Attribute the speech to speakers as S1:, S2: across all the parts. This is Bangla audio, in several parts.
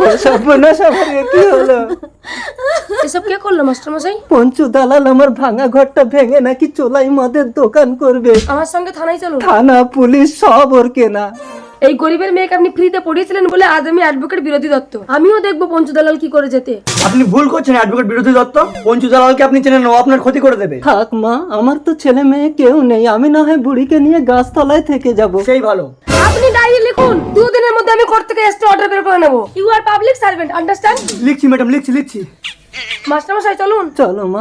S1: সর্বনাশ, আমার এ কি হলো?
S2: এসব কে করলো মাস্টার মশাই?
S1: পঞ্চু দালাল আমার ভাঙা ঘরটা ভেঙে নাকি চোলাই মদের দোকান করবে।
S2: আমার সঙ্গে থানায় চলুন।
S1: থানা পুলিশ সব ওর কেনা।
S2: এই গরিবের মেয়েকে আপনি ফ্রিতে পড়িয়েছিলেন বলে আজ আমি অ্যাডভোকেট বিরোধী দত্ত। আমিও দেখবো পঞ্চু দালাল কি করে যেতে।
S3: আপনি ভুল করছেন অ্যাডভোকেট বিরোধী দত্ত। পঞ্চু দালালকে আপনি চেনেন না, ও আপনার ক্ষতি করে দেবে।
S1: থাক মা, আমার তো ছেলে মেয়ে কেউ নেই, আমি না হয় বুড়িকে নিয়ে গাছতলায় থেকে যাব।
S3: সেই ভালো।
S2: আপনি ডায়েরি লিখুন, 2 দিনের মধ্যে আমি কোর্ট থেকে এসে অর্ডার বের করে নেব। You are public servant, understand?
S3: লিখছি ম্যাডাম, লিখছি।
S2: মাস্টার মশাই চলুন।
S1: চলো মা।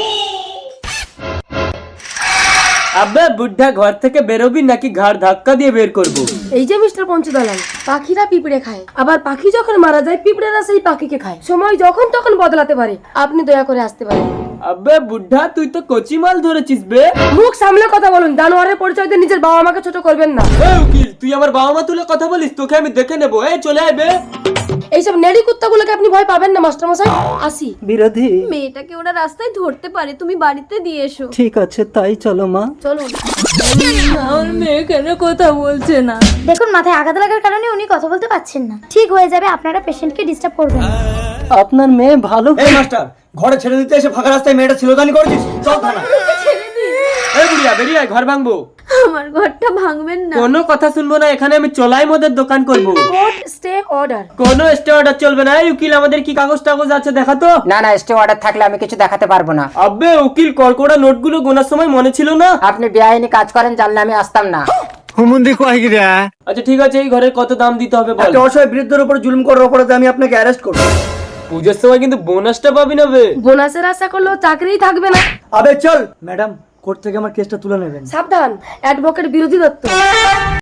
S4: আব্বা বুদ্ধা ঘর থেকে বেরোবি নাকি ঘাড় ধাক্কা দিয়ে বের করবো?
S2: এই যে মিস্টার পঞ্চু দালাল, পাখিরা পিঁপড়ে খায়, আবার পাখি যখন মারা যায় পিঁপড়েরা সেই পাখিকে খায়। সময় যখন তখন বদলাতে পারে, আপনি দয়া করে আসতে পারেন।
S4: আব্বা বুদ্ধা তুই তো কচি মাল ধরেছিস বে।
S2: মুখ সামলে কথা বলুন, জানোয়ারের পরিচয় দিয়ে নিজের বাবা মাকে ছোট করবেন না।
S4: এই উকিল, তুই আমার বাবা মা তুলে কথা বলিস, তোকে আমি দেখে নেবো। এই চলে আয় বে।
S2: এইসব নেড়ি কুত্তাগুলোকে আপনি ভয় পাবেন না মাস্টার মশাই। আসি।
S1: বিরোধী,
S5: মেয়েটাকে ওরা রাস্তায় ধরতে পারে, তুমি বাড়িতে দিয়ে এসো।
S1: ঠিক আছে তাই চলো মা।
S2: চলুন।
S5: আমার মেয়ে কেন কথা বলছে না?
S6: দেখুন, মাথায় আঘাত লাগার কারণে উনি কথা বলতে পারছেন না। ঠিক হয়ে যাবে, আপনারা পেশেন্টকে ডিস্টার্ব করবেন না।
S1: আপনার মেয়ে ভালো।
S3: এই মাস্টার, ঘরে ছেড়ে দিতে এসে ফাঁকা রাস্তায় মেয়েটা ছিলতানি করেছিস, চল থানা।
S4: এই বুড়িয়া বেরিয়ে আয়, ঘর ভাঙবো।
S5: আমার ঘরটা ভাঙবেন না।
S4: কোনো কথা শুনবো না, এখানে আমি চলাই মদের দোকান করবো।
S2: Court stay order.
S4: কোনো স্টে অর্ডার চলবে না। এই উকিল, আমাদের কি কাগজ টাগজ আছে দেখা তো।
S7: না না, স্টে অর্ডার থাকলে আমি কিছু দেখাতে পারবো না।
S4: আব্বে উকিল, কড়কড়া নোটগুলো গোনার সময় মনে ছিল না?
S7: আপনি বেআইনি কাজ করেন, জানলে আমি আসতাম না।
S4: আচ্ছা ঠিক আছে, এই ঘরের কত দাম দিতে হবে বল।
S3: একটা অসহায় বৃদ্ধের উপর জুলুম করার অপরাধে আমি আপনাকে অ্যারেস্ট করব।
S4: পুজোর সময় কিন্তু বোনাসটা পাবি না বে।
S2: বোনাসের আশা করলেও চাকরিই থাকবে না।
S3: আবে চল ম্যাডাম, কোর্ট থেকে আমার কেসটা তুলে নেবেন।
S2: সাবধান, অ্যাডভোকেট বিরোধী দত্ত।